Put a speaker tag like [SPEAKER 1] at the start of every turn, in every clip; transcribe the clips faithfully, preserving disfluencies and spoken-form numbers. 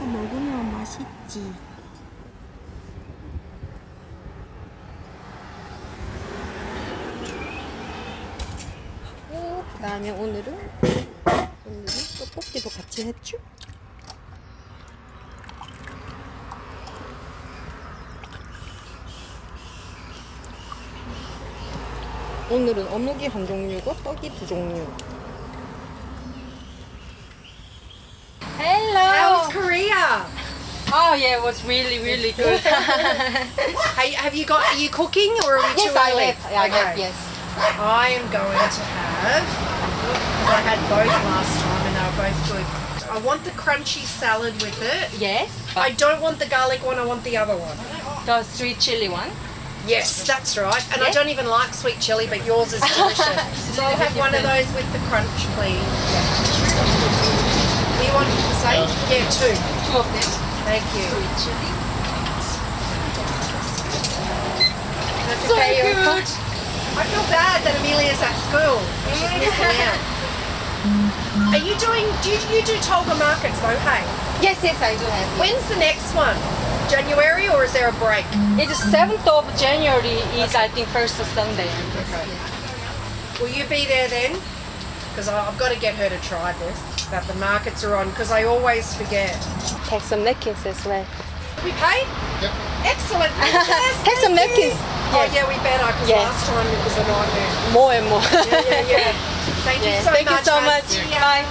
[SPEAKER 1] 섞어서 먹으면 맛있지. 그 다음에 오늘은 오늘은 떡볶이도 같이 했죠? 오늘은 어묵이 한 종류고 떡이 두 종류. Hello.
[SPEAKER 2] How's Korea?
[SPEAKER 1] Oh yeah, it was really really good.
[SPEAKER 2] Hey, have you got? Are you cooking or are we
[SPEAKER 1] Yes,
[SPEAKER 2] too
[SPEAKER 1] I
[SPEAKER 2] early?
[SPEAKER 1] have. I have. Yes.
[SPEAKER 2] I am going to have. I had both last time and they were both good. I want the crunchy salad with it.
[SPEAKER 1] Yes.
[SPEAKER 2] I don't want the garlic one. I want the other one.
[SPEAKER 1] The sweet chili one.
[SPEAKER 2] Yes, that's right. And I
[SPEAKER 1] Yeah.
[SPEAKER 2] don't even like sweet chili, but yours is delicious. So I'll have one of those with the crunch, please. Do you want the same? Yeah, two.
[SPEAKER 1] Two of them.
[SPEAKER 2] Thank you.
[SPEAKER 1] Sweet chili.
[SPEAKER 2] That's
[SPEAKER 1] So
[SPEAKER 2] okay, you're
[SPEAKER 1] good.
[SPEAKER 2] cooked. I feel bad that Amelia's at school. She's missing out. Are you doing, do you, you do Tolga markets though, hey?
[SPEAKER 1] Yes, yes, I do have. It.
[SPEAKER 2] When's the next one? January or is there a break?
[SPEAKER 1] It's seventh of January is I think first Sunday.
[SPEAKER 2] Will you be there then? Because I've got to get her to try this, that the markets are on, because I always forget.
[SPEAKER 1] Take some napkins as well.
[SPEAKER 2] We paid? Yep. Excellent. Yes,
[SPEAKER 1] Take some
[SPEAKER 2] thank you.
[SPEAKER 1] napkins.
[SPEAKER 2] Oh yeah, we better, because
[SPEAKER 1] Yeah.
[SPEAKER 2] last time it was a nightmare.
[SPEAKER 1] More and more.
[SPEAKER 2] Yeah, yeah, yeah. Thank you
[SPEAKER 1] Yeah,
[SPEAKER 2] so
[SPEAKER 1] Thank
[SPEAKER 2] much.
[SPEAKER 1] you so
[SPEAKER 2] hon.
[SPEAKER 1] much.
[SPEAKER 2] See ya.
[SPEAKER 1] Bye.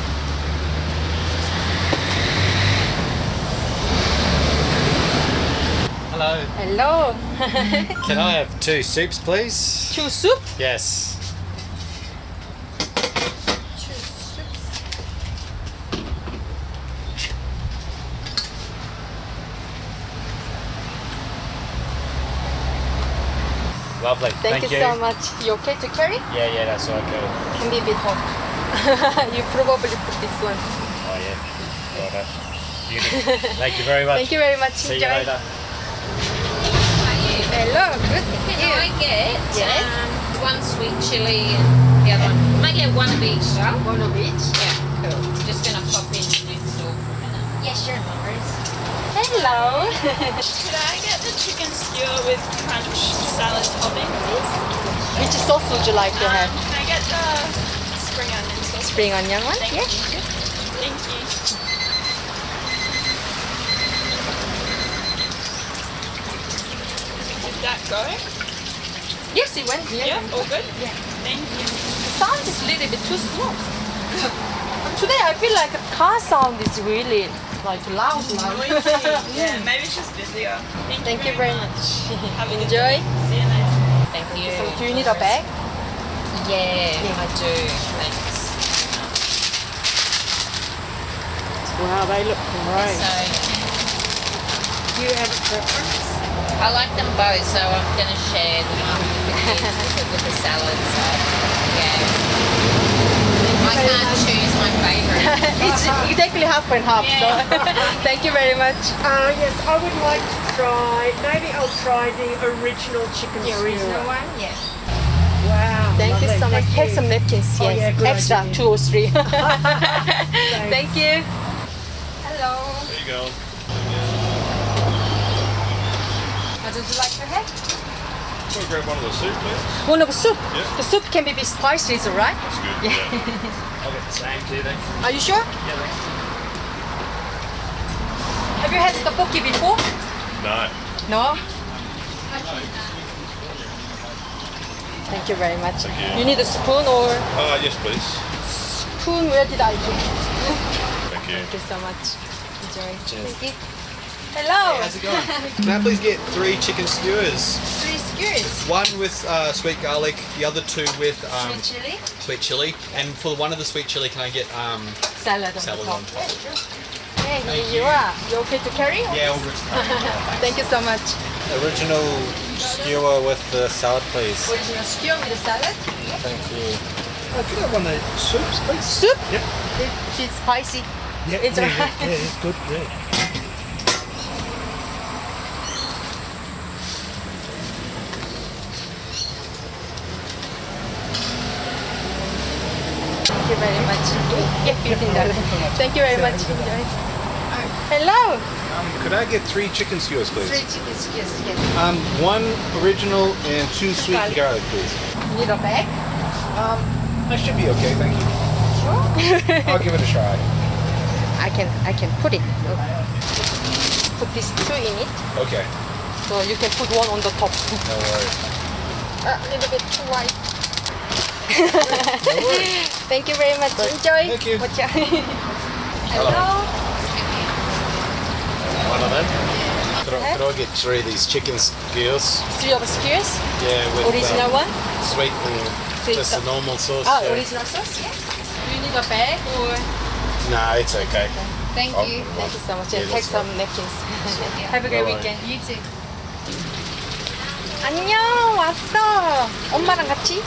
[SPEAKER 3] Hello.
[SPEAKER 1] Hello.
[SPEAKER 3] Can I have two soups, please?
[SPEAKER 1] Two soup.
[SPEAKER 3] Yes. Lovely.
[SPEAKER 1] Thank, you, so much. You okay to carry?
[SPEAKER 3] Yeah, yeah, that's okay.
[SPEAKER 1] Can be a bit hot. You probably put this one.
[SPEAKER 3] Oh yeah. Got it. Beauty. Thank you very much.
[SPEAKER 1] Thank you very much.
[SPEAKER 3] See
[SPEAKER 1] Enjoy.
[SPEAKER 3] you later.
[SPEAKER 1] Hello. Good.
[SPEAKER 4] Can I get
[SPEAKER 1] Yes.
[SPEAKER 4] um, one sweet chili and the other one? Can I get one of each though?
[SPEAKER 1] One of each.
[SPEAKER 4] Yeah, cool. Just gonna pop in next door for a minute.
[SPEAKER 1] Yes, sure. No worries. Hello.
[SPEAKER 5] Could I get the chicken skewer with crunch salad topping, please?
[SPEAKER 1] Which sauce would you like to
[SPEAKER 5] Um,
[SPEAKER 1] have?
[SPEAKER 5] can I get the spring onion sauce?
[SPEAKER 1] Spring onion one?
[SPEAKER 5] Thank
[SPEAKER 1] Yes.
[SPEAKER 5] you. Thank you. Did that go?
[SPEAKER 1] Yes, it went.
[SPEAKER 5] Yeah, all good?
[SPEAKER 1] Yeah.
[SPEAKER 5] Thank you.
[SPEAKER 1] The sound is a little bit too small. Today I feel like the car sound is really like loud. loud.
[SPEAKER 5] Yeah, maybe it's just busier. Thank,
[SPEAKER 1] Thank you very much.
[SPEAKER 5] Have a good
[SPEAKER 1] Enjoy.
[SPEAKER 5] day. See you later.
[SPEAKER 4] Thank you.
[SPEAKER 1] So do you need a bag?
[SPEAKER 4] Yeah, I do. Thanks.
[SPEAKER 1] Wow, they look great.
[SPEAKER 4] So
[SPEAKER 2] Do you have a preference?
[SPEAKER 4] I like them both, so I'm gonna share the one with the kids with the, with the salad. So yeah, I can't choose my favourite.
[SPEAKER 1] It's exactly half and half. So thank you very much.
[SPEAKER 2] Uh, yes, I would like to try, maybe I'll try the original chicken
[SPEAKER 1] The original
[SPEAKER 2] skewer.
[SPEAKER 1] one? Yeah.
[SPEAKER 2] Wow.
[SPEAKER 1] Thank you
[SPEAKER 2] lovely.
[SPEAKER 1] so much.
[SPEAKER 2] Thank
[SPEAKER 1] Take
[SPEAKER 2] you.
[SPEAKER 1] some napkins. Yes.
[SPEAKER 2] Oh, yeah, good
[SPEAKER 1] Extra,
[SPEAKER 2] idea.
[SPEAKER 1] two or three. Thank you. Hello.
[SPEAKER 3] There you go.
[SPEAKER 1] What would you like to have?
[SPEAKER 6] Can we grab one of the soup, please?
[SPEAKER 1] One of soup.
[SPEAKER 6] Yeah.
[SPEAKER 1] The soup can be a bit spicy, is it right?
[SPEAKER 6] That's good. Yeah.
[SPEAKER 3] I'll get the same too then.
[SPEAKER 1] Are you sure?
[SPEAKER 3] Yeah, thanks.
[SPEAKER 1] Have you had tteokbokki before?
[SPEAKER 6] No.
[SPEAKER 1] No. Thank you very much.
[SPEAKER 6] Thank you.
[SPEAKER 1] You need a spoon or
[SPEAKER 6] Uh, yes, please.
[SPEAKER 1] spoon? Where did I put?
[SPEAKER 6] Thank you.
[SPEAKER 1] Thank you so much. Enjoy. Thank you. Hello.
[SPEAKER 7] How's it going? Can I please get three chicken skewers?
[SPEAKER 1] Three skewers.
[SPEAKER 7] One with uh, sweet garlic, the other two with um,
[SPEAKER 1] Sweet chili.
[SPEAKER 7] sweet chili. And for one of the sweet chili, can I get um,
[SPEAKER 1] Salad on
[SPEAKER 7] salad
[SPEAKER 1] the top.
[SPEAKER 7] on top?
[SPEAKER 1] Hey, here you are. You okay to carry?
[SPEAKER 7] Yeah, all good.
[SPEAKER 1] Thank you so much.
[SPEAKER 3] Original skewer with the salad, please.
[SPEAKER 1] Original skewer with the salad.
[SPEAKER 3] Thank you.
[SPEAKER 8] Oh, could I have one of the soups, please?
[SPEAKER 1] Soup?
[SPEAKER 8] Yep.
[SPEAKER 1] It, it's spicy.
[SPEAKER 8] Yeah,
[SPEAKER 1] It's
[SPEAKER 8] yeah,
[SPEAKER 1] alright.
[SPEAKER 8] yeah, yeah, it's good. Yeah.
[SPEAKER 1] Thank you very much. Yeah, fifteen dollars. Thank you very much. Enjoy. Hello.
[SPEAKER 8] Um, could I get three chicken skewers, please?
[SPEAKER 1] Three chicken skewers. Yes.
[SPEAKER 8] Um, one original and two sweet
[SPEAKER 1] Garlic.
[SPEAKER 8] garlic, please.
[SPEAKER 1] Need a bag?
[SPEAKER 8] Um, that should be okay, thank you.
[SPEAKER 1] Sure.
[SPEAKER 8] I'll give it a try.
[SPEAKER 1] I can I can put it. Put these two in it.
[SPEAKER 8] Okay,
[SPEAKER 1] So you can put one on the top.
[SPEAKER 8] no worries.
[SPEAKER 1] A little bit too white. Thank you very much. Enjoy.
[SPEAKER 8] Thank you.
[SPEAKER 1] Watch out. Hello.
[SPEAKER 8] One of them. Could I, could I get three of these chicken skewers?
[SPEAKER 1] Three of skewers.
[SPEAKER 8] Yeah, with
[SPEAKER 1] Original
[SPEAKER 8] um,
[SPEAKER 1] one.
[SPEAKER 8] sweet and
[SPEAKER 1] Sweet
[SPEAKER 8] just the
[SPEAKER 1] sauce.
[SPEAKER 8] normal sauce.
[SPEAKER 1] Ah,
[SPEAKER 8] yeah.
[SPEAKER 1] original sauce. Yes. Do you need a bag or?
[SPEAKER 8] Nah, it's okay.
[SPEAKER 4] Thank
[SPEAKER 8] Oh,
[SPEAKER 4] you.
[SPEAKER 1] Thank you so much.
[SPEAKER 8] Yeah,
[SPEAKER 1] Yeah, take
[SPEAKER 8] that's
[SPEAKER 1] some napkins. Have a great
[SPEAKER 8] Bye-bye.
[SPEAKER 1] weekend.
[SPEAKER 4] You too.
[SPEAKER 1] 안녕, 왔어. 엄마랑 같이?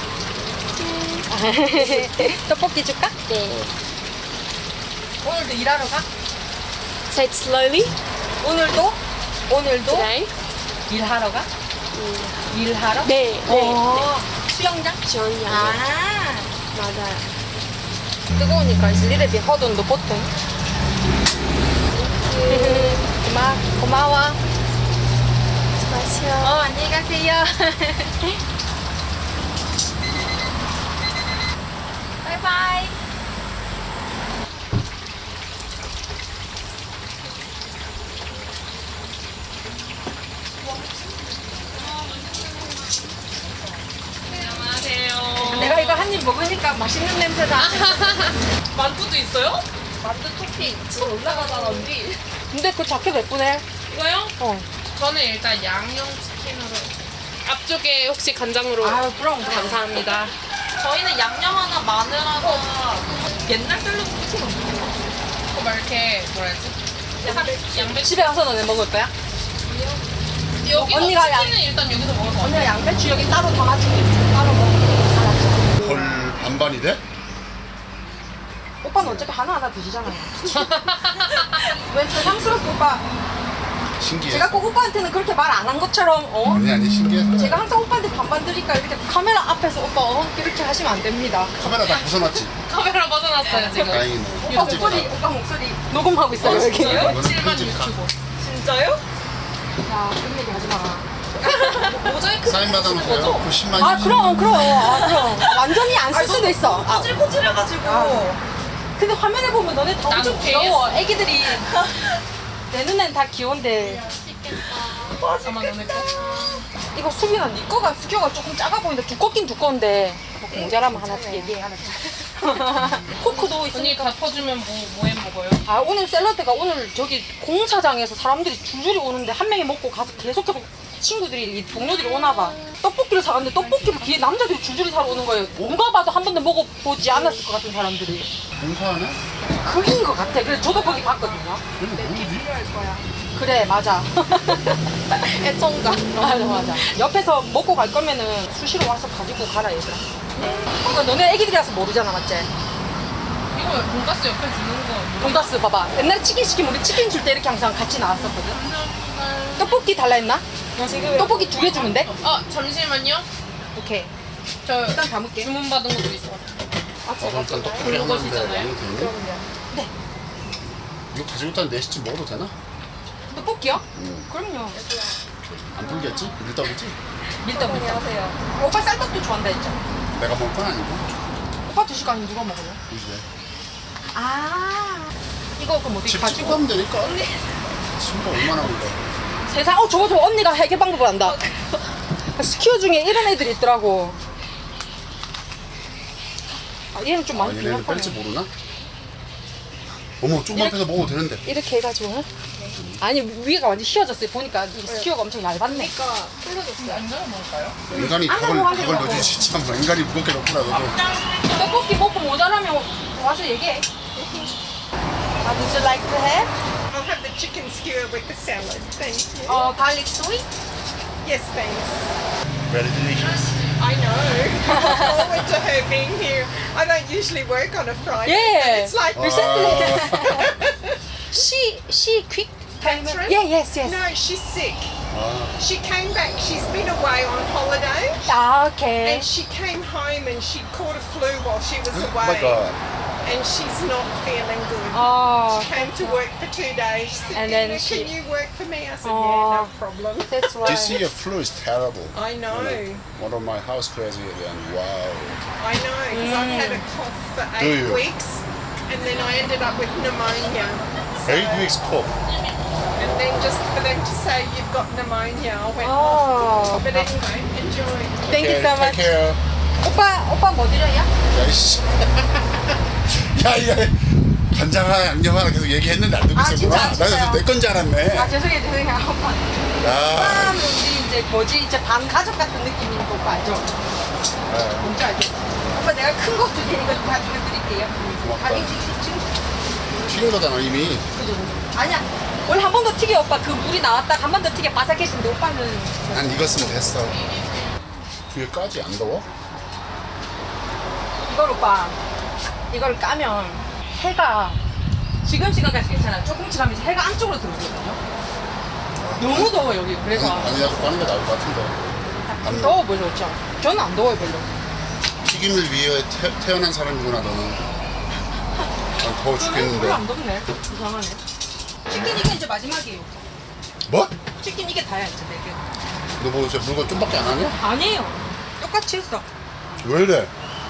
[SPEAKER 1] 떡볶이 줄까? 네. 오늘도 일하러 가?
[SPEAKER 9] Say it slowly.
[SPEAKER 1] 오늘도? 오늘도?
[SPEAKER 9] Today.
[SPEAKER 1] 일하러 가? 일하러?
[SPEAKER 9] 네, 네.
[SPEAKER 1] 어, 수영장?
[SPEAKER 9] 전혀.
[SPEAKER 1] 아,
[SPEAKER 9] 맞아요.
[SPEAKER 1] 뜨거우니까 it's a little bit hot on the bottom. 고마, 고마워.
[SPEAKER 9] 수고하세요.
[SPEAKER 1] 어, 안녕히 가세요. 바이바이.
[SPEAKER 5] 안녕하세요.
[SPEAKER 1] 내가 이거 한 입 먹으니까 맛있는 냄새다.
[SPEAKER 5] 만두도 있어요?
[SPEAKER 1] 만두 토핑. 올라가잖아, 언니. 근데 그 자켓 예쁘네.
[SPEAKER 5] 이거요?
[SPEAKER 1] 어.
[SPEAKER 5] 저는 일단 양념 치킨으로. 앞쪽에 혹시 간장으로.
[SPEAKER 1] 아유, 그럼, 그럼.
[SPEAKER 5] 감사합니다. 저희는 양념 하나, 마늘 하나. 옛날 샐러드 치킨 없어요? 그거 막 이렇게 뭐라 해야지? 양배추.
[SPEAKER 1] 집에 가서 너네 먹을 거야?
[SPEAKER 5] 여기
[SPEAKER 1] 언니가 양-
[SPEAKER 5] 치킨은 일단 여기서 먹을 거 같아요.
[SPEAKER 1] 언니가 양배추 여기 따로 담아줄게. 따로 먹어. 알았지?
[SPEAKER 10] 헐 반반이 돼?
[SPEAKER 1] 오빠는 어차피 하나하나 드시잖아요. 왜 세상스럽게 오빠.
[SPEAKER 10] 신기해.
[SPEAKER 1] 제가 꼭 오빠한테는 그렇게 말 안 한 것처럼, 어?
[SPEAKER 10] 아니 아니 신기해.
[SPEAKER 1] 제가 항상 오빠한테 반반 드니까 이렇게 카메라 앞에서 오빠 어? 이렇게 하시면 안 됩니다.
[SPEAKER 10] 카메라 다 벗어놨지.
[SPEAKER 5] 카메라 벗어났어요, 지금.
[SPEAKER 10] 다행이네.
[SPEAKER 1] 오빠 목소리, 오빠 목소리 녹음하고 있어요, 여기.
[SPEAKER 10] 이거는
[SPEAKER 5] 칠만
[SPEAKER 10] 편집가.
[SPEAKER 5] 유튜버. 진짜요?
[SPEAKER 1] 야, 그런 얘기 하지 마.
[SPEAKER 5] 모자이크
[SPEAKER 10] 사인 받아놓으세요. 그 십만.
[SPEAKER 1] 아, 그럼, 그럼. 아, 그럼. 완전히 안 쓸 수도 있어. 아,
[SPEAKER 5] 꼬질꼬질해가지고.
[SPEAKER 1] 아. 근데 화면에 보면 너네 다 엄청
[SPEAKER 5] 난
[SPEAKER 1] 귀여워. 애기들이. 내 눈엔 다 귀여운데.
[SPEAKER 5] 아마 너네 거.
[SPEAKER 1] 이거 수빈아, 네 거가 수교가 조금 작아 보이는데 두껍긴 두꺼운데. 뭐 모자라면 하나 얘기해, 하나. 포크도
[SPEAKER 5] 언니
[SPEAKER 1] 있으니까.
[SPEAKER 5] 다 퍼주면 뭐, 뭐해 먹어요?
[SPEAKER 1] 아, 오늘 샐러드가 오늘 저기 공사장에서 사람들이 줄줄이 오는데 한 명이 먹고 가서 계속 계속 친구들이, 이 동료들이 오나 봐. 떡볶이를 사갔는데 떡볶이를 뒤에 남자들이 줄줄이 사러 오는 거예요. 누가 봐도 한 번도 먹어보지 않았을 것 같은 사람들이.
[SPEAKER 10] 공사하네?
[SPEAKER 1] 그인 것 같아. 그래서 저도 거기 봤거든요.
[SPEAKER 10] 그럼 뭐지?
[SPEAKER 1] 그래, 맞아. 애청자. 맞아, 맞아. 옆에서 먹고 갈 거면은 수시로 와서 가지고 가라, 얘들아. 이거 너네 애기들이라서 모르잖아, 맞지?
[SPEAKER 5] 이거 왜 돈가스 옆에 주는 거?
[SPEAKER 1] 돈가스 봐봐. 옛날에 치킨 시키면 우리 치킨 줄 때 이렇게 항상 같이 나왔었거든. 떡볶이 달라 했나? 지금 떡볶이 두 개 주면 돼?
[SPEAKER 5] 어, 잠시만요.
[SPEAKER 1] 오케이.
[SPEAKER 5] 저
[SPEAKER 1] 일단 담을게.
[SPEAKER 5] 주문 받은 것도 있어.
[SPEAKER 1] 아, 제가
[SPEAKER 10] 일단 떡볶이
[SPEAKER 5] 그런
[SPEAKER 10] 하나인데
[SPEAKER 5] 것이잖아요.
[SPEAKER 10] 양이 되네?
[SPEAKER 1] 그러면요. 네.
[SPEAKER 10] 이거 가지고 일단 네 시쯤 먹어도 되나?
[SPEAKER 1] 떡볶이요?
[SPEAKER 10] 응.
[SPEAKER 1] 그럼요.
[SPEAKER 10] 안 불겠지? 밀떡이지?
[SPEAKER 1] 밀떡, 밀떡. 하세요. 오빠 쌀떡도 좋아한다 했죠?
[SPEAKER 10] 내가 먹을 건 아니고.
[SPEAKER 1] 오빠 드실 거 아니면 누가 먹어요?
[SPEAKER 10] 우리 집에.
[SPEAKER 1] 아. 이거 그럼 어떻게
[SPEAKER 10] 집
[SPEAKER 1] 가지고.
[SPEAKER 10] 찍고 하면 되니까. 친구 얼마나 걸려.
[SPEAKER 1] 세상, 어, 저거 저거 언니가 해결 방법을 안다. 스키어 중에 이런 애들이 있더라고. 아, 얘는 좀
[SPEAKER 10] 아,
[SPEAKER 1] 많이
[SPEAKER 10] 얘네는 뺄지
[SPEAKER 1] 빈약하네.
[SPEAKER 10] 모르나? 어머 조금만 빼서 먹어도 되는데.
[SPEAKER 1] 이렇게 해가지고. 아니, 위가 완전 휘어졌어요. 보니까 이 스키어가 엄청 얇았네.
[SPEAKER 5] 완전 먹을까요?
[SPEAKER 10] 인간이
[SPEAKER 1] 안
[SPEAKER 10] 닭을,
[SPEAKER 1] 하고 한
[SPEAKER 10] 닭을
[SPEAKER 1] 개만
[SPEAKER 10] 넣어주지 참 인간이 무겁게 넣구나 너도.
[SPEAKER 1] 떡볶이 먹고 모자라면 와서 얘기해. Uh, would you like to have?
[SPEAKER 2] I'll have the chicken skewer with the salad. Thank you.
[SPEAKER 1] Uh, garlic sweet?
[SPEAKER 2] Yes, thanks.
[SPEAKER 10] Very delicious.
[SPEAKER 2] I know. I look forward to her being here. I don't usually work on a Friday.
[SPEAKER 1] Yeah.
[SPEAKER 2] So it's like
[SPEAKER 1] Recently. she, she quick.
[SPEAKER 2] Catherine?
[SPEAKER 1] Yeah, yes, yes.
[SPEAKER 2] No, she's sick.
[SPEAKER 10] 아,
[SPEAKER 2] She came back. She's been away on holiday.
[SPEAKER 1] Ah, okay.
[SPEAKER 2] And she came home and she caught a flu while she was
[SPEAKER 10] oh
[SPEAKER 2] away.
[SPEAKER 10] my god.
[SPEAKER 2] and she's not feeling good.
[SPEAKER 1] Oh,
[SPEAKER 2] She came to work for two days. She said,
[SPEAKER 1] And then
[SPEAKER 2] "Nina,
[SPEAKER 1] she-
[SPEAKER 2] can you work for me?" I said,
[SPEAKER 1] Oh.
[SPEAKER 2] "Yeah, no problem."
[SPEAKER 1] that's why.
[SPEAKER 10] This year flu is terrible.
[SPEAKER 2] I know.
[SPEAKER 10] You know, one of my house crazy and wow.
[SPEAKER 2] I know, because I've had a cough for
[SPEAKER 10] Do
[SPEAKER 2] eight
[SPEAKER 10] you?
[SPEAKER 2] weeks, and then I ended up with pneumonia. So-
[SPEAKER 10] Eight weeks cough.
[SPEAKER 2] And then just for them to say you've got pneumonia, I went,
[SPEAKER 1] Oh.
[SPEAKER 2] oh. But anyway, enjoy.
[SPEAKER 1] Thank you
[SPEAKER 10] Okay,
[SPEAKER 1] so much.
[SPEAKER 10] Take care.
[SPEAKER 1] 오빠, 오빠 뭐 드려요?
[SPEAKER 10] 야이씨. 야, 이거 간장 하나, 양념 하나 계속 얘기했는데 안 듣고
[SPEAKER 1] 아,
[SPEAKER 10] 있었구나.
[SPEAKER 1] 진짜, 진짜요?
[SPEAKER 10] 나는 내 건 줄 알았네.
[SPEAKER 1] 아, 죄송해요, 죄송해요, 오빠.
[SPEAKER 10] 야.
[SPEAKER 1] 오빠는 우리 이제 뭐지, 이제 반 가족 같은 느낌이니까 오빠 알죠?
[SPEAKER 10] 네.
[SPEAKER 1] 뭔지 알죠? 오빠 내가 큰 거 두 개 이거 가지고 드릴게요.
[SPEAKER 10] 고맙다.
[SPEAKER 1] 가격 지금
[SPEAKER 10] 튀긴 거잖아 이미.
[SPEAKER 1] 그죠? 아니야. 원래 한 번 더 튀겨 오빠. 그 물이 나왔다 한 번 더 튀겨 바삭해진데 오빠는
[SPEAKER 10] 난 익었으면 됐어. 뒤에까지 안 더워?
[SPEAKER 1] 이걸 오빠 이걸 까면 해가 지금 시간까지 괜찮아. 조금씩 하면 이제 해가 안쪽으로 들어오거든요. 너무 더워 여기. 그래서
[SPEAKER 10] 아니라도 까는 게 나을 것 같은데. 안
[SPEAKER 1] 더워 보여 좋죠. 저는 안 더워요 별로.
[SPEAKER 10] 튀김을 위해 태, 태어난 사람이구나 너는. 난 더워
[SPEAKER 1] 별로
[SPEAKER 10] 죽겠는데.
[SPEAKER 1] 안 덥네. 이상하네. 치킨 이게 이제 마지막이에요.
[SPEAKER 10] 뭐?
[SPEAKER 1] 치킨 이게 다야 이제 네 개.
[SPEAKER 10] 너 뭐 이제 물건 좀밖에 안 하냐?
[SPEAKER 1] 아니에요. 똑같이 했어.
[SPEAKER 10] 왜 이래?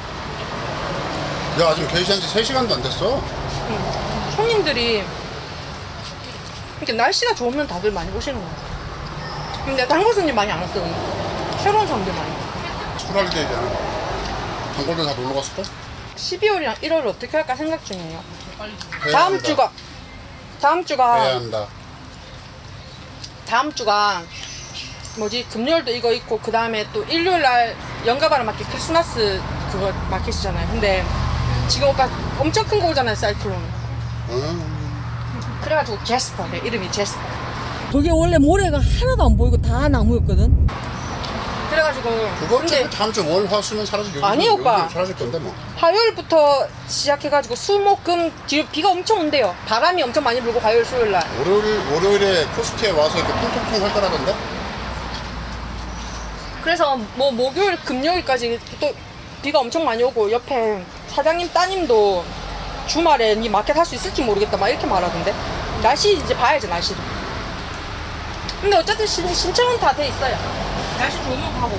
[SPEAKER 10] 야 지금 게시한 지 세 시간도 안 됐어.
[SPEAKER 1] 응. 손님들이 이렇게 날씨가 좋으면 다들 많이 오시는 거야. 근데 단골 손님 많이 안 왔어. 새로운 사람들 많이.
[SPEAKER 10] 출하게 되잖아. 단골들 다 놀러 갔을까?
[SPEAKER 1] 십이월이랑 일월을 어떻게 할까 생각 중이에요.
[SPEAKER 10] 해야
[SPEAKER 1] 다음
[SPEAKER 10] 한다.
[SPEAKER 1] 주가 다음 주가
[SPEAKER 10] 해야 한다.
[SPEAKER 1] 다음 주가 뭐지 금요일도 이거 있고 그 다음에 또 일요일 날 연가바라 마켓 크리스마스 그거 마켓이잖아요. 근데 지금 오빠 엄청 큰 거 오잖아요 사이클론.
[SPEAKER 10] 음.
[SPEAKER 1] 그래가지고 제스퍼 내 이름이 제스퍼. 저게 원래 모래가 하나도 안 보이고 다 나무였거든. 그래가지고
[SPEAKER 10] 그거
[SPEAKER 1] 근데
[SPEAKER 10] 어차피 다음 주 월, 화, 수면 사라질 여기
[SPEAKER 1] 아니, 오빠.
[SPEAKER 10] 사라질 건데 뭐.
[SPEAKER 1] 화요일부터 시작해가지고 수목금 뒤로 비가 엄청 온대요. 바람이 엄청 많이 불고 화요일 수요일 날.
[SPEAKER 10] 월요일 월요일에 코스트에 와서 이렇게 통통통 할 거라던데?
[SPEAKER 1] 그래서 뭐 목요일 금요일까지 또 비가 엄청 많이 오고 옆에 사장님 따님도 주말에 니 마켓 할 수 있을지 모르겠다 막 이렇게 말하던데. 날씨 이제 봐야죠 날씨도. 근데 어쨌든 신, 신청은 다 돼 있어요. 날씨 좋으면 가고.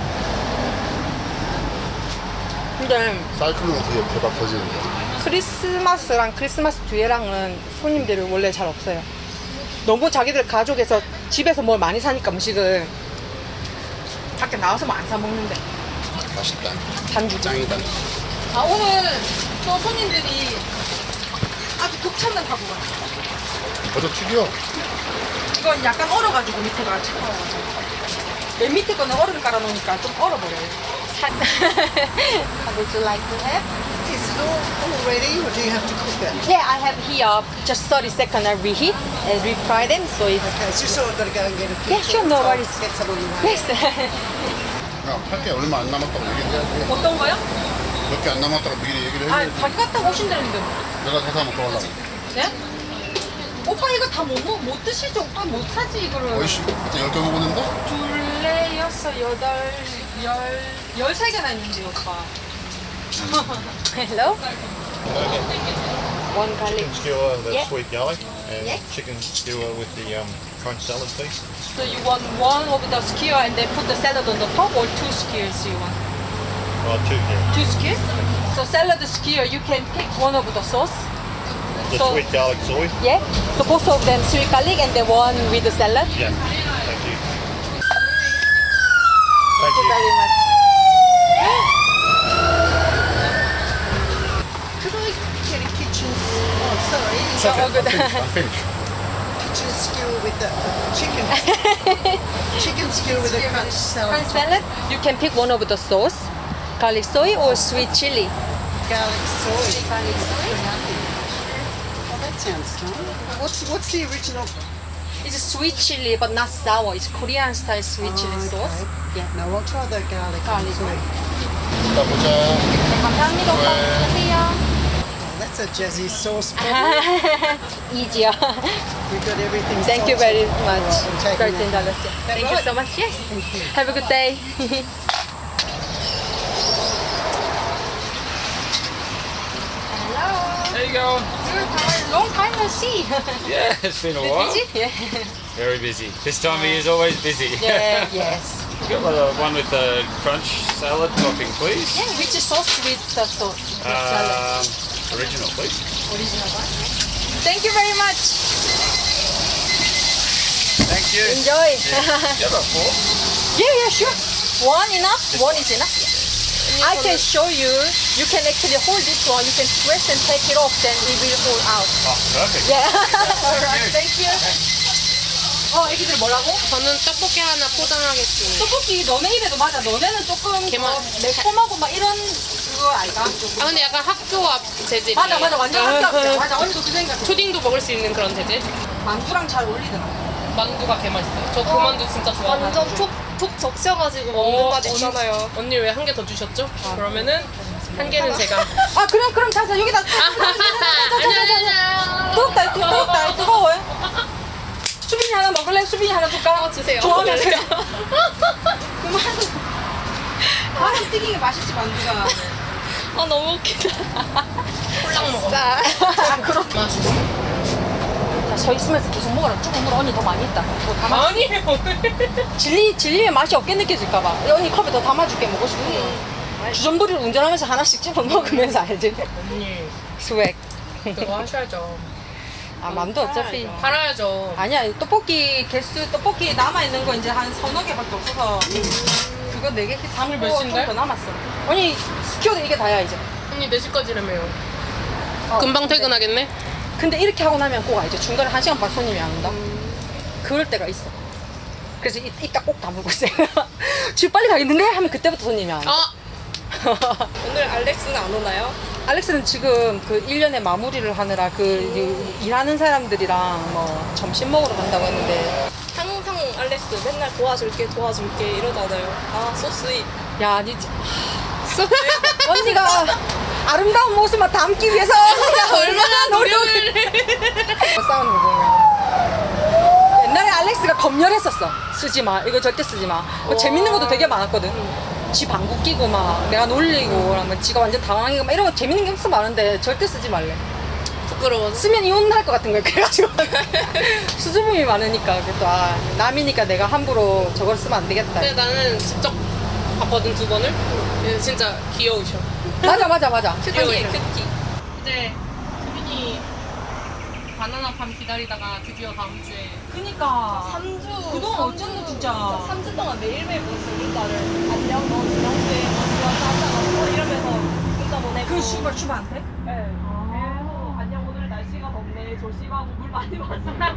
[SPEAKER 1] 근데
[SPEAKER 10] 사이클론 되게 대박 터지는데.
[SPEAKER 1] 크리스마스랑 크리스마스 뒤에랑은 손님들이 원래 잘 없어요. 너무 자기들 가족에서 집에서 뭘 많이 사니까 음식을 밖에 나와서 안 사 먹는데.
[SPEAKER 10] 맛있다.
[SPEAKER 1] 잔주.
[SPEAKER 10] 짱이다.
[SPEAKER 1] 아 오늘 또 손님들이 아주 극찬을 하고 갔어요.
[SPEAKER 10] 어저 튀겨.
[SPEAKER 1] 이건 약간 얼어가지고 밑에가 차가워가지고. 맨 밑에 거는 얼음 깔아놓으니까 좀 얼어버려요. Would you like to have?
[SPEAKER 2] Is it all, all ready, or do you have to cook it?
[SPEAKER 1] Yeah, I have here just thirty second I reheat and refry them, so it's
[SPEAKER 2] Okay, it's just so I've got to go and get a few
[SPEAKER 1] Yeah, sure, no
[SPEAKER 2] things, so I'll
[SPEAKER 1] worries.
[SPEAKER 2] get some on the way.
[SPEAKER 1] yes.
[SPEAKER 10] 야, 팔 게 얼마 안 남았다고 얘기해야지.
[SPEAKER 1] 어떤 거요?
[SPEAKER 10] 몇 개 안 남았다고 미리 얘기를
[SPEAKER 1] 아,
[SPEAKER 10] 해야지.
[SPEAKER 1] 자기 갔다 오신다는데.
[SPEAKER 10] 내가 다 사 먹고 가려고.
[SPEAKER 1] 네? 오빠 이거 다 못 먹, 못 드시죠? 오빠 못 사지 이거를.
[SPEAKER 10] 어이씨, 그때 열 개 먹었는데?
[SPEAKER 1] 둘레, 여섯, 여덟, 열, 열세 개나 있는데 오빠. Hello? One garlic.
[SPEAKER 3] Chicken skewer, the
[SPEAKER 1] Yeah.
[SPEAKER 3] sweet garlic, and
[SPEAKER 1] Yeah.
[SPEAKER 3] chicken skewer with the um, crunch salad piece.
[SPEAKER 1] So you want one of the skewer and then put the salad on the top, or two skewers you want?
[SPEAKER 3] Oh, two, yeah.
[SPEAKER 1] Two skewers? So salad skewer, you can pick one of the sauce.
[SPEAKER 3] The
[SPEAKER 1] So-
[SPEAKER 3] sweet garlic soy.
[SPEAKER 1] Yeah? So both of them sweet garlic and then one with the salad.
[SPEAKER 3] Yeah. Thank you. Thank
[SPEAKER 1] Thank you
[SPEAKER 3] you.
[SPEAKER 1] very much.
[SPEAKER 2] Could I get a kitchen? Oh, sorry.
[SPEAKER 10] It's okay.
[SPEAKER 1] all good.
[SPEAKER 10] I'm finished. I'm finished.
[SPEAKER 2] Kitchen skewer with the chicken. Chicken skewer with a crunch salad.
[SPEAKER 1] Crunch salad, you can pick one of the sauce, garlic soy or sweet chili.
[SPEAKER 2] Garlic soy.
[SPEAKER 1] Garlic soy.
[SPEAKER 2] Oh, that sounds nice. What's what's the original?
[SPEAKER 1] It's sweet chili but not sour. It's Korean style sweet chili
[SPEAKER 2] Oh,
[SPEAKER 1] sauce.
[SPEAKER 2] okay.
[SPEAKER 1] Yeah.
[SPEAKER 2] No, I'll try the garlic.
[SPEAKER 1] Garlic
[SPEAKER 2] soy.
[SPEAKER 10] 이따 보자.
[SPEAKER 1] 감사합니다. 오빠. 안녕하세요.
[SPEAKER 2] Oh, that's a jazzy sauce.
[SPEAKER 1] Easier.
[SPEAKER 2] We've got everything.
[SPEAKER 1] Thank you
[SPEAKER 2] salted.
[SPEAKER 1] very much.
[SPEAKER 2] All right, I'm taking
[SPEAKER 1] thirteen
[SPEAKER 2] that.
[SPEAKER 1] dollars. Thank you so much. Yes.
[SPEAKER 2] Thank you.
[SPEAKER 1] Have a good day. Hello.
[SPEAKER 3] going?
[SPEAKER 1] Long time no see.
[SPEAKER 3] Yeah, it's been a while.
[SPEAKER 1] Busy? Yeah.
[SPEAKER 3] Very busy. This time of year is always busy.
[SPEAKER 1] Yeah, yes.
[SPEAKER 3] Got the one with the crunch salad topping, please.
[SPEAKER 1] Yeah, which sauce with the sauce? The salad.
[SPEAKER 3] Um, original, please.
[SPEAKER 1] Original one. Thank you very much.
[SPEAKER 3] Thank you.
[SPEAKER 1] Enjoy.
[SPEAKER 3] You have a fork?
[SPEAKER 1] Yeah, yeah, sure. One enough? One is enough. I can show you. You can actually hold this one. You can press and take it off, then it will fall out.
[SPEAKER 3] Oh, perfect.
[SPEAKER 1] Yeah. Alright, thank you. 어, 애기들 뭐라고?
[SPEAKER 5] 저는 떡볶이 하나 포장하겠습니다.
[SPEAKER 1] 떡볶이 너네 입에도 맞아. 너네는 조금
[SPEAKER 5] 개맛.
[SPEAKER 1] 더 매콤하고 막 이런 그거 아이가?
[SPEAKER 5] 아 근데 약간 학교 앞 재질이.
[SPEAKER 1] 맞아, 맞아. 완전 학교. 맞아, 언니도 그 생각해.
[SPEAKER 5] 초딩도 먹을 수 있는 그런 재질.
[SPEAKER 1] 만두랑 잘 어울리더라.
[SPEAKER 5] 만두가 개 맛있어요. 저 그 만두 진짜 좋아해요.
[SPEAKER 9] 완전 톡톡 적셔가지고 먹는 맛 있잖아요.
[SPEAKER 5] 언니 왜 한 개 더 주셨죠? 그러면은 한 개는 제가.
[SPEAKER 1] 아, 그래, 그럼 자자 여기다.
[SPEAKER 5] 안녕하세요.
[SPEAKER 1] 뜨겁다, 뜨겁다, 뜨거워요. 수빈이 하나 먹을래? 수빈이 하나 줄까?
[SPEAKER 9] 어, 주세요.
[SPEAKER 1] 좋아하면
[SPEAKER 9] 주세요.
[SPEAKER 1] 그럼 한 바람 튀기게 맛있지 만두가.
[SPEAKER 9] 아 너무 웃기다.
[SPEAKER 5] 콜랑 먹어.
[SPEAKER 1] 아 그렇.
[SPEAKER 5] 맛있어.
[SPEAKER 1] 자, 서 있으면서 계속 먹어라. 조금 물 언니 더 많이 있다. 더 담아.
[SPEAKER 5] 아니에요.
[SPEAKER 1] 질리 질리면 맛이 없게 느껴질까봐. 언니 컵에 더 담아줄게 먹고 싶은 거. 주전부리를 운전하면서 하나씩 집어 먹으면서 알지?
[SPEAKER 5] 언니
[SPEAKER 1] 스웩.
[SPEAKER 5] 그거 하셔야죠.
[SPEAKER 1] 아 만두 어차피.
[SPEAKER 5] 팔아야죠.
[SPEAKER 1] 아니야 떡볶이 개수 떡볶이 남아 있는 거 이제 한 서너 개밖에 없어서 그거 네 개 담을
[SPEAKER 5] 몇
[SPEAKER 1] 거
[SPEAKER 5] 시인데?
[SPEAKER 1] 더 남았어. 언니 스키어도 이게 다야 이제.
[SPEAKER 5] 언니 네 시까지라며요.
[SPEAKER 1] 어,
[SPEAKER 5] 금방
[SPEAKER 1] 근데-
[SPEAKER 5] 퇴근하겠네?
[SPEAKER 1] 근데 이렇게 하고 나면 꼭 알죠. 중간에 한 시간 반 손님이 안 온다. 그럴 때가 있어. 그래서 이, 이따 꼭 다물고 있어요. 집 빨리 가겠는데? 하면 그때부터 손님이 안 와.
[SPEAKER 5] 아!
[SPEAKER 9] 오늘 알렉스는 안 오나요?
[SPEAKER 1] 알렉스는 지금 그 일 년에 마무리를 하느라 그 이- 일하는 사람들이랑 뭐 점심 먹으러 간다고 했는데
[SPEAKER 9] 항상 알렉스 맨날 도와줄게 도와줄게 이러잖아요. 아 소스이.
[SPEAKER 1] 야, 니 진- 언니가 아름다운 모습만 담기 위해서 언니가 얼마나 노력을 싸우는 거 보면 옛날에 알렉스가 검열했었어. 쓰지 마. 이거 절대 쓰지 마. 뭐 재밌는 것도 되게 많았거든. 지 방구 끼고 막 내가 놀리고 그러면 지가 완전 당황하고 막 이런 거 재밌는 게 엄청 많은데 절대 쓰지 말래.
[SPEAKER 9] 부끄러워서.
[SPEAKER 1] 쓰면 이혼할 것 같은 거야. 그래가지고 수줍음이 많으니까 그래도 아 남이니까 내가 함부로 저걸 쓰면 안 되겠다.
[SPEAKER 5] 근데 나는 직접 봤거든 두 번을. 근데 진짜 귀여우셔.
[SPEAKER 1] 맞아 맞아 맞아.
[SPEAKER 5] 귀여워요. 이제 수빈이 바나나 팜 기다리다가 드디어 다음 주에.
[SPEAKER 1] 그니까
[SPEAKER 9] 삼 주.
[SPEAKER 1] 그동안 어쩐지 진짜.
[SPEAKER 9] 삼 주 동안 매일매일 보냈어 문자를. 안녕 너 지난주에 뭐 좋아서 하잖아. 뭐 이러면서 문자 보내고.
[SPEAKER 1] 그 슈발 슈발한테?
[SPEAKER 9] 네. 계속 안녕 오늘 날씨가 덥네 조심하고 물 많이 마시고.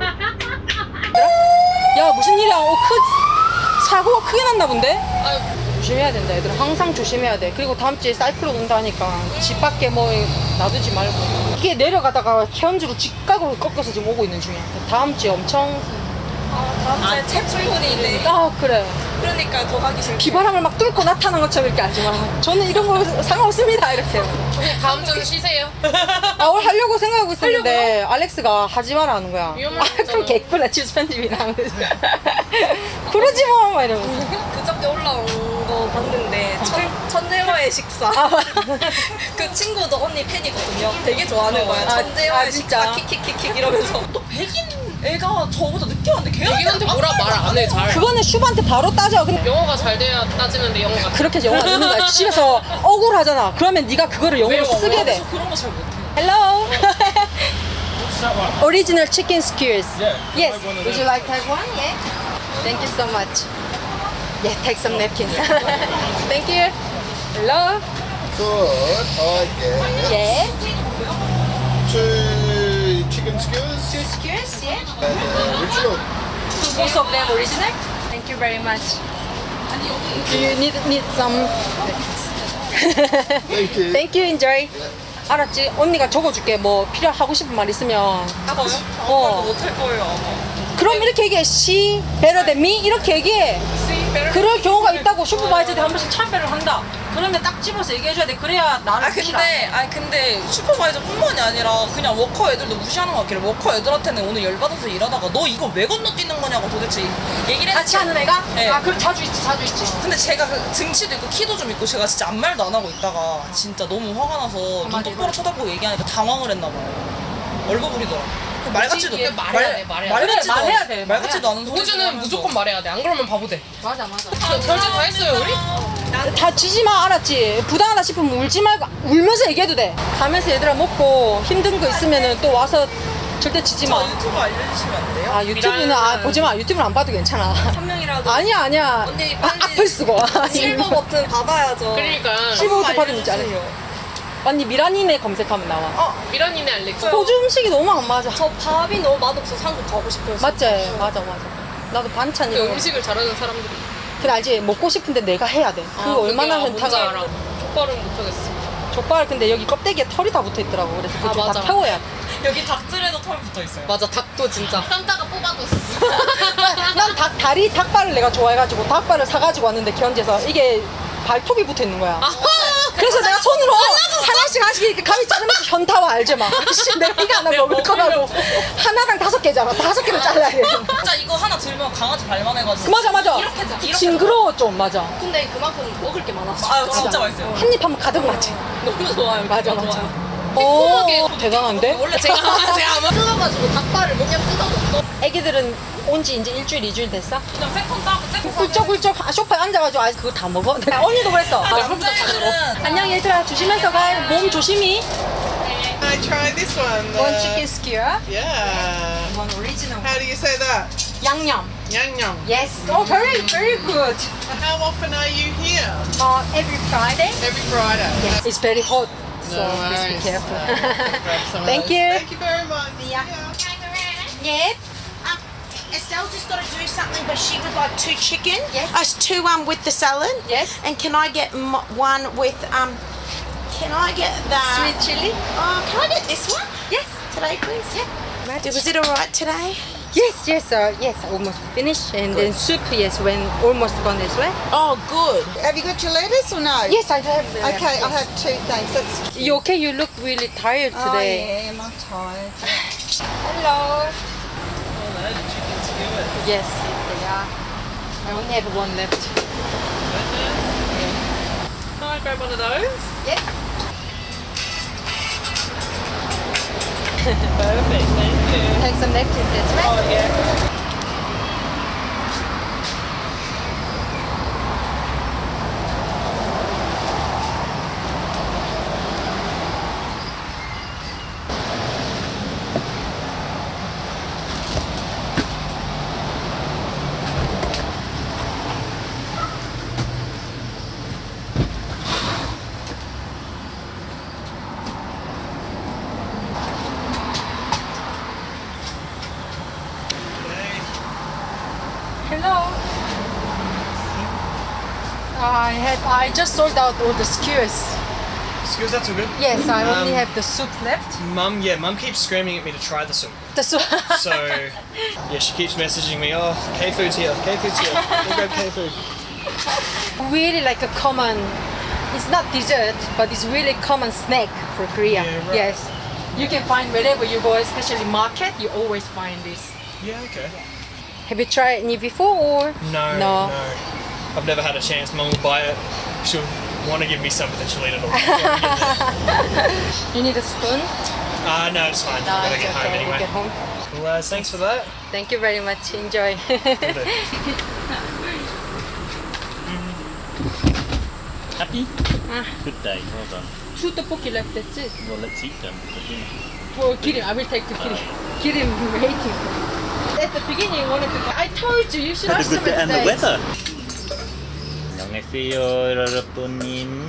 [SPEAKER 1] 야 무슨 일이야? 어, 크 사고가 크게 났나 본데?
[SPEAKER 5] 아유,
[SPEAKER 1] 조심해야 된다 얘들아. 항상 조심해야 돼. 그리고 다음 주에 사이클론 온다니까 집 밖에 뭐 놔두지 말고. 이게 내려가다가 현주로 직각으로 꺾여서 지금 오고 있는 중이야. 다음 주에 엄청
[SPEAKER 9] 아 다음 주에 첫 출근이네.
[SPEAKER 1] 아 그래.
[SPEAKER 9] 그러니까 더 가기 싫어.
[SPEAKER 1] 비바람을 막 뚫고 나타난 것처럼 이렇게 하지 마. 저는 이런 거 상관없습니다 이렇게.
[SPEAKER 5] 다음 주는 쉬세요.
[SPEAKER 1] 아 오늘 하려고 생각하고 있었는데 알렉스가 하지 마라 하는 거야.
[SPEAKER 5] 위험한
[SPEAKER 1] 아, 그럼
[SPEAKER 5] 거잖아.
[SPEAKER 1] 개꿀나 치즈 편집이랑 그러지 마 막 이러면서.
[SPEAKER 9] 그저께 올라온 거 봤는데 천, 천재와의 식사.
[SPEAKER 1] 아,
[SPEAKER 9] 그 친구도 언니 팬이거든요. 되게 좋아하는 거야.
[SPEAKER 1] 아,
[SPEAKER 9] 천재와의
[SPEAKER 1] 아, 진짜?
[SPEAKER 9] 식사 킥킥킥킥 이러면서.
[SPEAKER 5] 또 백인 애가 저보다 늦게 왔는데 걔한테 뭐라 말 안 해 잘.
[SPEAKER 1] 그거는 슈브한테 바로 따져. 근데
[SPEAKER 5] 영어가 잘 돼야 따지는데 영어가.
[SPEAKER 1] 그렇게 해서 영어 안 듣는 거야. 집에서 억울하잖아. 그러면 네가 그거를 영어로 쓰게 돼.
[SPEAKER 5] 그런 거 잘 못해.
[SPEAKER 1] Hello.
[SPEAKER 3] What's that one?
[SPEAKER 1] Original chicken skewers.
[SPEAKER 3] Yeah.
[SPEAKER 1] Yes.
[SPEAKER 3] Have one of
[SPEAKER 1] Would you
[SPEAKER 3] those.
[SPEAKER 1] like to have one? Yeah. Thank you so much. Yeah, take some napkins. Thank you. Hello.
[SPEAKER 10] Could I get
[SPEAKER 1] Yeah.
[SPEAKER 10] two chicken skewers
[SPEAKER 1] Two skewers. Yeah.
[SPEAKER 10] and uh, original?
[SPEAKER 1] Most of them original. Thank you very much. Do you need need some?
[SPEAKER 10] Thank you.
[SPEAKER 1] Thank you. Enjoy. 알았지? 언니가 적어줄게. 뭐 필요하고 싶은 말 있으면.
[SPEAKER 9] 하고요?
[SPEAKER 1] 어.
[SPEAKER 9] 못할 거예요 아마.
[SPEAKER 1] 그럼 이렇게 얘기해. She better than me 이렇게 얘기해. 그럴 경우가 있다고. 슈퍼바이저들이 한 번씩 참배를 한다. 그러면 딱 집어서 얘기해줘야 돼. 그래야 나를
[SPEAKER 5] 아 근데 아 근데 슈퍼바이저뿐만이 아니라 그냥 워커 애들도 무시하는 것 같길래 워커 애들한테는 오늘 열받아서 일하다가 너 이거 왜 건너뛰는 거냐고 도대체 얘기를
[SPEAKER 1] 같이
[SPEAKER 5] 했는데
[SPEAKER 1] 하는 애가?
[SPEAKER 5] 네.
[SPEAKER 1] 아 그럼 자주 있지 자주 있지.
[SPEAKER 5] 근데 제가 그 등치도 있고 키도 좀 있고 제가 진짜 아무 말도 안 하고 있다가 진짜 너무 화가 나서 눈
[SPEAKER 1] 맞아,
[SPEAKER 5] 똑바로
[SPEAKER 1] 맞아.
[SPEAKER 5] 쳐다보고 얘기하니까 당황을 했나 봐요. 얼버무리더라. 그 말같지도
[SPEAKER 4] 그치, 말해야 돼, 말해야 돼.
[SPEAKER 5] 말같지도
[SPEAKER 1] 그래, 말해야 돼,
[SPEAKER 5] 말같지도 않은 소리
[SPEAKER 4] 호주는 무조건 말해야 돼. 안 그러면 바보 돼.
[SPEAKER 1] 맞아 맞아.
[SPEAKER 4] 별짓 다 했어요 우리?
[SPEAKER 1] 다 지지 마 알았지? 부당하다 싶으면 울지 말고 울면서 얘기해도 돼. 가면서 얘들아 먹고 힘든 거 있으면은 또 와서 절대 지지 마.
[SPEAKER 5] 저 유튜브 알려주시면 안 돼요?
[SPEAKER 1] 아 유튜브는 아 보지 마. 유튜브는 안 봐도 괜찮아.
[SPEAKER 9] 한 명이라도
[SPEAKER 1] 아니야 아니야.
[SPEAKER 9] 언니
[SPEAKER 1] 아,
[SPEAKER 9] 빨리
[SPEAKER 1] 악플 쓰고.
[SPEAKER 9] 실버 버튼 받아야죠.
[SPEAKER 4] 그러니까
[SPEAKER 1] 실버 버튼 받으면 있지 않아? 언니 미라니네 검색하면 나와.
[SPEAKER 9] 어,
[SPEAKER 4] 미라님네 알렉스.
[SPEAKER 1] 호주 음식이 너무 안 맞아.
[SPEAKER 9] 저 밥이 너무 맛없어서 한국 가고 싶어요.
[SPEAKER 1] 맞지?
[SPEAKER 9] 진짜.
[SPEAKER 1] 맞아 맞아. 나도 반찬
[SPEAKER 4] 그
[SPEAKER 1] 이런 거.
[SPEAKER 4] 음식을 잘하는 사람들이.
[SPEAKER 1] 그래 알지? 먹고 싶은데 내가 해야 돼. 그거
[SPEAKER 4] 아,
[SPEAKER 1] 얼마나
[SPEAKER 4] 그게, 아, 뭔지
[SPEAKER 1] 현타가.
[SPEAKER 4] 알아. 족발은 못하겠어.
[SPEAKER 1] 족발 근데 여기 껍데기에 털이 다 붙어 있더라고. 그래서
[SPEAKER 4] 아,
[SPEAKER 1] 그거 다
[SPEAKER 4] 맞아.
[SPEAKER 1] 태워야 돼.
[SPEAKER 5] 여기 닭들에도 털 붙어 있어요.
[SPEAKER 4] 맞아 닭도 진짜.
[SPEAKER 5] 쌈다가 뽑아줬어.
[SPEAKER 1] 난 닭 다리 닭발을 내가 좋아해가지고 닭발을 사가지고 왔는데 견제서 이게 발톱이 붙어 있는 거야. 그래서 내가 손으로 하나씩 하나씩 이렇게 가위 자르면서 현타와 알지 막. 씨, 내가 이거 하나 먹을 거라고. 하나당 다섯 개잖아. 다섯 개를 잘라야 돼.
[SPEAKER 5] 진짜 이거 하나 들면 강아지 발만 해가지고.
[SPEAKER 1] 맞아 맞아.
[SPEAKER 5] 이렇게 이렇게
[SPEAKER 1] 징그러워 좀 맞아.
[SPEAKER 9] 근데 그만큼 먹을 게 많았어.
[SPEAKER 5] 아 진짜 맛있어요.
[SPEAKER 1] 한 입 하면 가득 맞지.
[SPEAKER 4] 너무 좋아요.
[SPEAKER 1] 맞아
[SPEAKER 4] 너무
[SPEAKER 1] 맞아.
[SPEAKER 4] 좋아요.
[SPEAKER 1] 오 대단한데?
[SPEAKER 5] 원래 제가 제가 아마
[SPEAKER 9] 뜯어가지고 닭발을 그냥 뜯어줬어.
[SPEAKER 1] 애기들은 온 지 이제 일주일 이주일 됐어?
[SPEAKER 5] 그냥 세컨 따고 세컨
[SPEAKER 1] 꿀쩍꿀쩍 아, 소파에 앉아가지고 아 그거 다 먹어. 야, 언니도 그랬어.
[SPEAKER 5] 남자애들은
[SPEAKER 1] 안녕 얘들아 조심해서 가. 몸 조심히.
[SPEAKER 11] I try this one. the-
[SPEAKER 1] One chicken skewer.
[SPEAKER 11] Yeah.
[SPEAKER 1] One original.
[SPEAKER 11] How do you say that?
[SPEAKER 1] 양념.
[SPEAKER 11] Yang yang.
[SPEAKER 1] Yes. Oh, very, very good.
[SPEAKER 11] How often are you here?
[SPEAKER 1] Uh, every Friday.
[SPEAKER 11] Every Friday.
[SPEAKER 1] Yes. It's very hot, so
[SPEAKER 11] No
[SPEAKER 1] please be
[SPEAKER 11] worries.
[SPEAKER 1] careful.
[SPEAKER 11] Grab some of
[SPEAKER 1] Thank
[SPEAKER 11] those.
[SPEAKER 1] you.
[SPEAKER 11] Thank you very much.
[SPEAKER 1] Yeah. Yes.
[SPEAKER 12] Um, Estelle's just got to do something, but she would like two chicken.
[SPEAKER 1] Yes.
[SPEAKER 12] Us two um with the salad.
[SPEAKER 1] Yes.
[SPEAKER 12] And can I get m- one with um? Can I get the
[SPEAKER 1] Sweet chili.
[SPEAKER 12] Oh, can I get this one
[SPEAKER 1] Yes.
[SPEAKER 12] today, please? Yeah. Was it all right today?
[SPEAKER 1] Yes, yes, uh, yes. Almost finished, and then soup. Yes, when almost gone as well.
[SPEAKER 12] Oh, good.
[SPEAKER 13] Have you got your lettuce or no?
[SPEAKER 1] Yes, I have. uh,
[SPEAKER 13] Okay, I'll
[SPEAKER 1] yes.
[SPEAKER 13] have two things. That's
[SPEAKER 1] You okay? You look really tired
[SPEAKER 13] Oh,
[SPEAKER 1] today.
[SPEAKER 13] yeah, I'm tired.
[SPEAKER 1] Hello. Yes, they are. I only have one left.
[SPEAKER 5] Can I grab one of those?
[SPEAKER 1] Yeah.
[SPEAKER 5] Perfect, thank you.
[SPEAKER 1] Take some napkins as well.
[SPEAKER 5] Oh yeah.
[SPEAKER 1] Hello. I had. I just sold out all the skewers.
[SPEAKER 14] Skewers, that's all good.
[SPEAKER 1] Yes, I only
[SPEAKER 14] Um,
[SPEAKER 1] have the soup left.
[SPEAKER 14] Mum, yeah, Mum keeps screaming at me to try the soup.
[SPEAKER 1] The soup.
[SPEAKER 14] So, yeah, she keeps messaging me, oh, K-food's here, K-food's here, go grab K-food.
[SPEAKER 1] Really like a common. It's not dessert, but it's really common snack for Korea.
[SPEAKER 14] Yeah, right.
[SPEAKER 1] Yes. You can find wherever you go, especially market. You always find this.
[SPEAKER 14] Yeah, okay.
[SPEAKER 1] Have you tried any before or?
[SPEAKER 14] No,
[SPEAKER 1] No.
[SPEAKER 14] no. I've never had a chance. Mum will buy it. She'll want to give me some, but then she'll eat it all.
[SPEAKER 1] You need a spoon?
[SPEAKER 14] Ah, uh, no, it's fine.
[SPEAKER 1] No,
[SPEAKER 14] Gotta
[SPEAKER 1] it's
[SPEAKER 14] get home
[SPEAKER 1] okay.
[SPEAKER 14] anyway.
[SPEAKER 1] Get home.
[SPEAKER 14] Well, uh, thanks for that.
[SPEAKER 1] Thank you very much. Enjoy.
[SPEAKER 3] Happy?
[SPEAKER 1] Ah.
[SPEAKER 3] Good day, well done.
[SPEAKER 1] Two tteokbokki left. That's it.
[SPEAKER 3] Well, let's eat them for dinner.
[SPEAKER 1] For kidding, I will take the kidding. Kidding waiting. At the beginning, you wanted to. I told you you should
[SPEAKER 3] Had a
[SPEAKER 1] ask
[SPEAKER 3] good
[SPEAKER 1] them
[SPEAKER 3] day and the
[SPEAKER 1] today.
[SPEAKER 3] weather. 안녕하세요, 여러분님.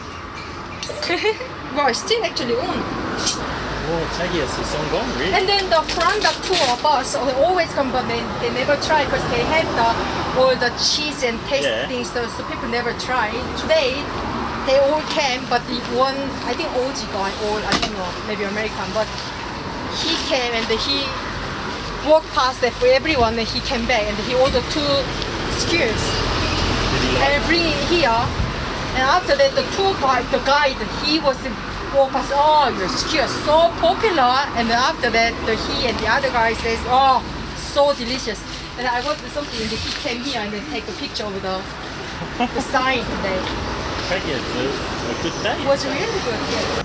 [SPEAKER 1] Wow, it's still actually on.
[SPEAKER 3] Oh, 자기야, it's on gone, really?
[SPEAKER 1] And then the Kuranda tour bus they always come, but they, they never try because they have the all the cheese and taste
[SPEAKER 3] Yeah.
[SPEAKER 1] things, so, so people never try. Today, they all came, but the one I think O G guy or I don't know, maybe American, but he came and he walked past there for everyone, and he came back and he ordered two skewers
[SPEAKER 3] Did he like
[SPEAKER 1] and bring it here. And after that, the tour guide, the guide, he was walk us. Oh, your ski is so popular. And then after that, the he and the other guy says, oh, so delicious. And I wanted something, and he came here and then take a picture of the the sign today.
[SPEAKER 3] Peggy, it's a, a good day.
[SPEAKER 1] It was really good. Yeah.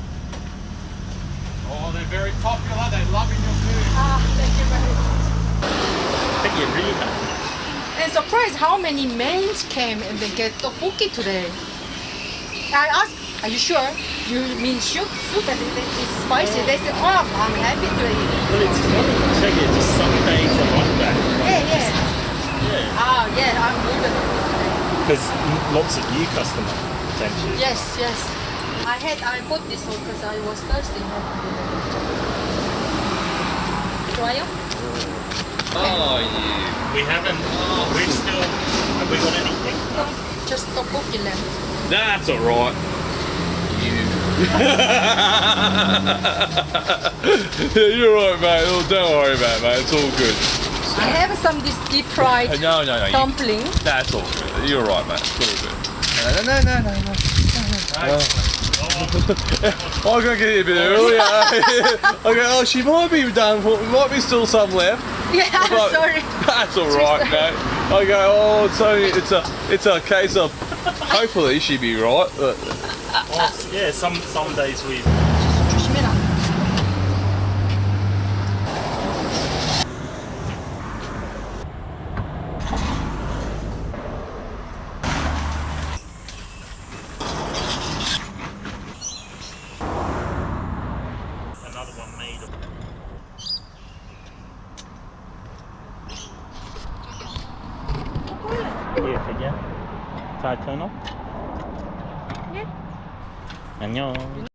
[SPEAKER 7] Oh, they're very popular. They're loving your food.
[SPEAKER 1] Ah, thank you very much.
[SPEAKER 3] Peggy, really happy.
[SPEAKER 1] And surprised how many men came and they get tteokbokki today. I asked, are you sure? You mean soup? Soup and it- it's spicy. They said, oh, I'm happy to eat.
[SPEAKER 3] Well, it's funny. Peggy, just some days are like that.
[SPEAKER 1] Yeah, yeah.
[SPEAKER 3] Yeah.
[SPEAKER 1] Ah, yeah, I'm good.
[SPEAKER 3] Because lots of new customers, potentially.
[SPEAKER 1] Yes, yes. I had, I bought this one because I was thirsty. 좋아요?
[SPEAKER 3] Oh, yeah. We haven't. Oh, we've still. Have we got anything?
[SPEAKER 1] No, just tteokbokki left.
[SPEAKER 3] That's all right.
[SPEAKER 6] Yeah, you're right, mate. Oh, don't worry about it, mate. It's all good.
[SPEAKER 1] I have some this deep fried
[SPEAKER 6] Uh, no, no, no. You,
[SPEAKER 1] dumpling.
[SPEAKER 6] that's all good. You're right, mate. It's all good. No, no, no, no, no. no. I gotta get it a bit earlier. Okay, oh, she might be done. For, might be still some left.
[SPEAKER 1] Yeah, I'm
[SPEAKER 6] But
[SPEAKER 1] sorry.
[SPEAKER 6] That's all right, mate. I go. Oh, it's only. It's a. It's a case of. Hopefully, she'd be right. But
[SPEAKER 3] Oh, yeah, some some days we.
[SPEAKER 1] 조심해라.
[SPEAKER 3] Another one made of. Yeah, Peggy. Thai turn off. Yeah. 안녕.